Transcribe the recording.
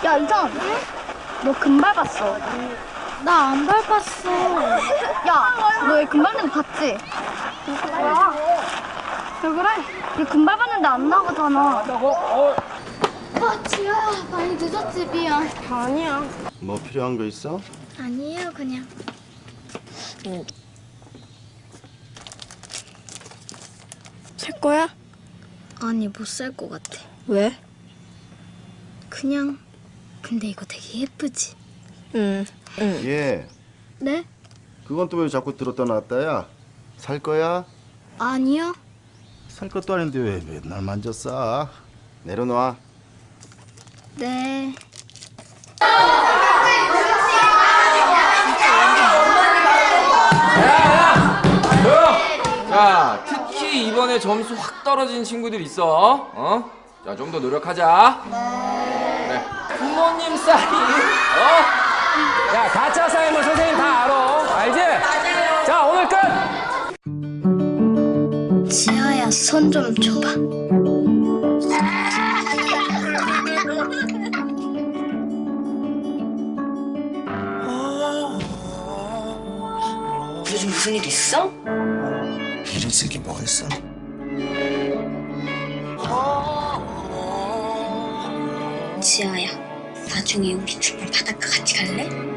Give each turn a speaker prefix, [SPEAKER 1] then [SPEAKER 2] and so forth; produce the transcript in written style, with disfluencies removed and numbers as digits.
[SPEAKER 1] 야, 이상. 너 금발 봤어?
[SPEAKER 2] 나 안 밟았어.
[SPEAKER 1] 야, 너 얘 금발 는 봤지? 왜 그래? 얘 금발 봤는데 안 나가잖아.
[SPEAKER 2] 아, 지효야, 많이 늦었지, 미안.
[SPEAKER 3] 아니야.
[SPEAKER 4] 뭐 필요한 거 있어?
[SPEAKER 2] 아니에요, 그냥.
[SPEAKER 3] 살 거야?
[SPEAKER 2] 아니, 못 살 것 같아.
[SPEAKER 3] 왜?
[SPEAKER 2] 그냥. 근데 이거 되게 예쁘지?
[SPEAKER 3] 응.
[SPEAKER 4] 예.
[SPEAKER 2] 네?
[SPEAKER 4] 그건 또 왜 자꾸 들었다 놨다야? 살 거야?
[SPEAKER 2] 아니요.
[SPEAKER 4] 살 것도 아닌데 왜 맨날 만져 싸? 내려놔.
[SPEAKER 2] 네.
[SPEAKER 5] 자, 특히 이번에 점수 확 떨어진 친구들 있어. 어? 자, 좀 더 노력하자. 네. 부모님 사인.
[SPEAKER 6] 야, 가짜 사인은 선생님 다 알아. 알지? 자, 오늘 끝!
[SPEAKER 2] 지효야, 손 좀 줘봐.
[SPEAKER 7] 요즘 무슨 일 있어?
[SPEAKER 8] 일은 쓰기 뭐 있어?
[SPEAKER 2] 지효야, 나중에 우리 둘이 바닷가 같이 갈래?